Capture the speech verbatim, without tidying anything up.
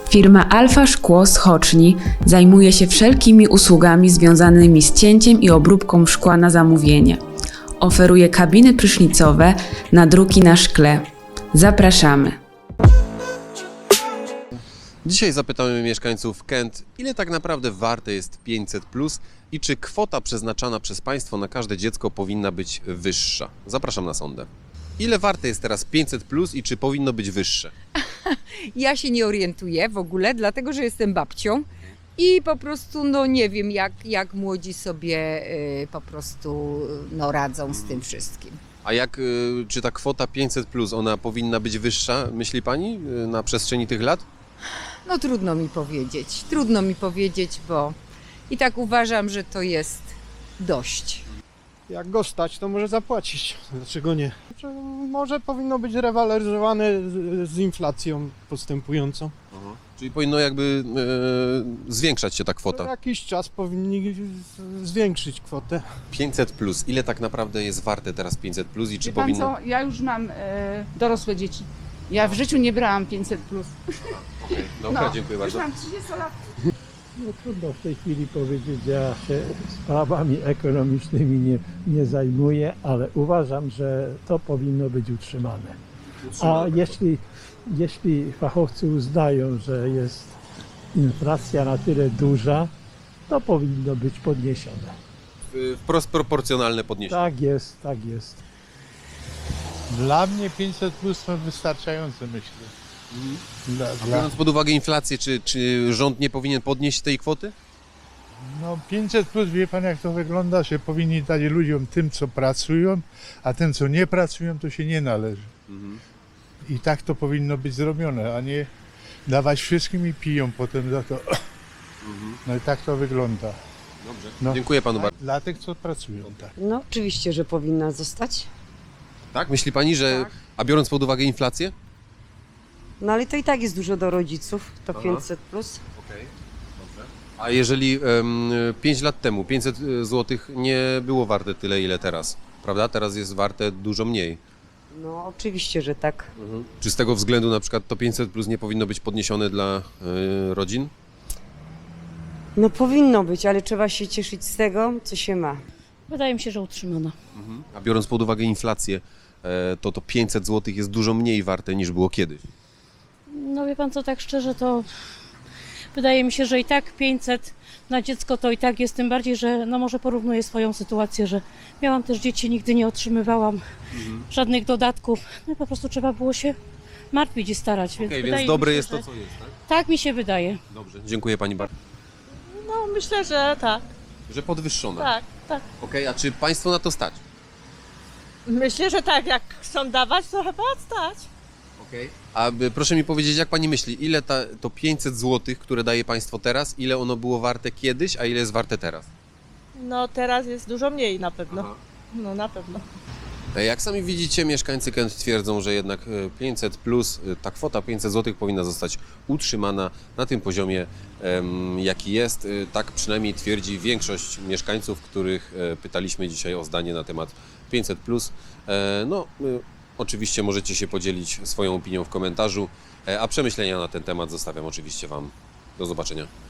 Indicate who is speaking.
Speaker 1: Firma Alfa Szkło z Choczni zajmuje się wszelkimi usługami związanymi z cięciem i obróbką szkła na zamówienie. Oferuje kabiny prysznicowe, nadruki na szkle. Zapraszamy!
Speaker 2: Dzisiaj zapytamy mieszkańców Kęt, ile tak naprawdę warte jest pięćset plus i czy kwota przeznaczana przez państwo na każde dziecko powinna być wyższa. Zapraszam na sondę. Ile warte jest teraz pięćset plus i czy powinno być wyższe?
Speaker 3: Ja się nie orientuję w ogóle, dlatego że jestem babcią i po prostu no nie wiem jak, jak młodzi sobie y, po prostu no, radzą z tym wszystkim.
Speaker 2: A jak, y, czy ta kwota pięćset plus, ona powinna być wyższa, myśli pani, y, na przestrzeni tych lat?
Speaker 3: No trudno mi powiedzieć, trudno mi powiedzieć, bo i tak uważam, że to jest dość.
Speaker 4: Jak go stać, to może zapłacić. Dlaczego nie? Znaczy, może powinno być rewaloryzowane z, z inflacją postępującą.
Speaker 2: Aha. Czyli powinno jakby y, zwiększać się ta
Speaker 4: Co
Speaker 2: kwota.
Speaker 4: jakiś czas powinni z- zwiększyć kwotę.
Speaker 2: pięćset plus, ile tak naprawdę jest warte teraz pięćset plus i czy
Speaker 5: Wie pan
Speaker 2: powinno...
Speaker 5: co, ja już mam e, dorosłe dzieci. Ja w życiu nie brałam pięćset plus.
Speaker 2: Okej, dobra,
Speaker 5: No,
Speaker 2: dziękuję
Speaker 5: już
Speaker 2: bardzo.
Speaker 5: mam trzydzieści lat.
Speaker 6: No trudno w tej chwili powiedzieć, ja się sprawami ekonomicznymi nie, nie zajmuję, ale uważam, że to powinno być utrzymane. A jeśli, jeśli fachowcy uznają, że jest inflacja na tyle duża, to powinno być podniesione.
Speaker 2: Y, Wprost proporcjonalne podniesienie.
Speaker 6: Tak jest, tak jest.
Speaker 7: Dla mnie pięćset plus to wystarczające, myślę. Dla,
Speaker 2: A
Speaker 7: dla,
Speaker 2: biorąc pod uwagę inflację, czy, czy rząd nie powinien podnieść tej kwoty?
Speaker 7: no pięćset plus, wie pan jak to wygląda, że powinni dać ludziom tym, co pracują, a tym, co nie pracują, to się nie należy. I tak to powinno być zrobione, a nie dawać wszystkim i piją potem za to. No i tak to wygląda.
Speaker 2: Dobrze.
Speaker 7: No.
Speaker 2: Dziękuję panu bardzo.
Speaker 7: Dla tych, co pracują, tak.
Speaker 8: No oczywiście, że powinna zostać.
Speaker 2: Tak? Myśli pani, że...
Speaker 8: Tak.
Speaker 2: A biorąc pod uwagę inflację?
Speaker 8: No ale to i tak jest dużo do rodziców, to
Speaker 2: Aha.
Speaker 8: pięćset plus.
Speaker 2: Okej, dobrze. A jeżeli um, pięć lat temu pięćset złotych nie było warte tyle, ile teraz, prawda? Teraz jest warte dużo mniej.
Speaker 8: No oczywiście, że tak.
Speaker 2: Czy z tego względu na przykład to pięćset plus nie powinno być podniesione dla y, rodzin?
Speaker 8: No powinno być, ale trzeba się cieszyć z tego, co się ma.
Speaker 9: Wydaje mi się, że utrzymana.
Speaker 2: A biorąc pod uwagę inflację, e, to to pięćset złotych jest dużo mniej warte niż było kiedyś.
Speaker 9: No wie pan co, tak szczerze to wydaje mi się, że i tak pięćset na dziecko to i tak jest, tym bardziej, że no może porównuję swoją sytuację, że miałam też dzieci, nigdy nie otrzymywałam żadnych dodatków. No i po prostu trzeba było się martwić i starać. Więc,
Speaker 2: Okej,
Speaker 9: wydaje
Speaker 2: więc dobre
Speaker 9: mi się,
Speaker 2: jest
Speaker 9: że...
Speaker 2: to, co jest, tak?
Speaker 9: Tak mi się wydaje.
Speaker 2: Dobrze, dziękuję pani bardzo.
Speaker 10: No myślę, że tak,
Speaker 2: Że podwyższone.
Speaker 10: tak, tak.
Speaker 2: Okej, a czy państwo na to stać?
Speaker 10: Myślę, że tak, jak chcą dawać, to chyba stać.
Speaker 2: Okej. A y, proszę mi powiedzieć, jak pani myśli, ile ta, to pięćset złotych, które daje państwo teraz, ile ono było warte kiedyś, a ile jest warte teraz?
Speaker 10: No teraz jest dużo mniej na pewno.
Speaker 2: Aha.
Speaker 10: No na pewno.
Speaker 2: E, Jak sami widzicie, mieszkańcy Kęt twierdzą, że jednak e, pięćset plus, e, ta kwota pięćset złotych powinna zostać utrzymana na tym poziomie, em, jaki jest. E, Tak przynajmniej twierdzi większość mieszkańców, których e, pytaliśmy dzisiaj o zdanie na temat pięćset plus. E, No, e, oczywiście możecie się podzielić swoją opinią w komentarzu, e, a przemyślenia na ten temat zostawiam oczywiście Wam. Do zobaczenia.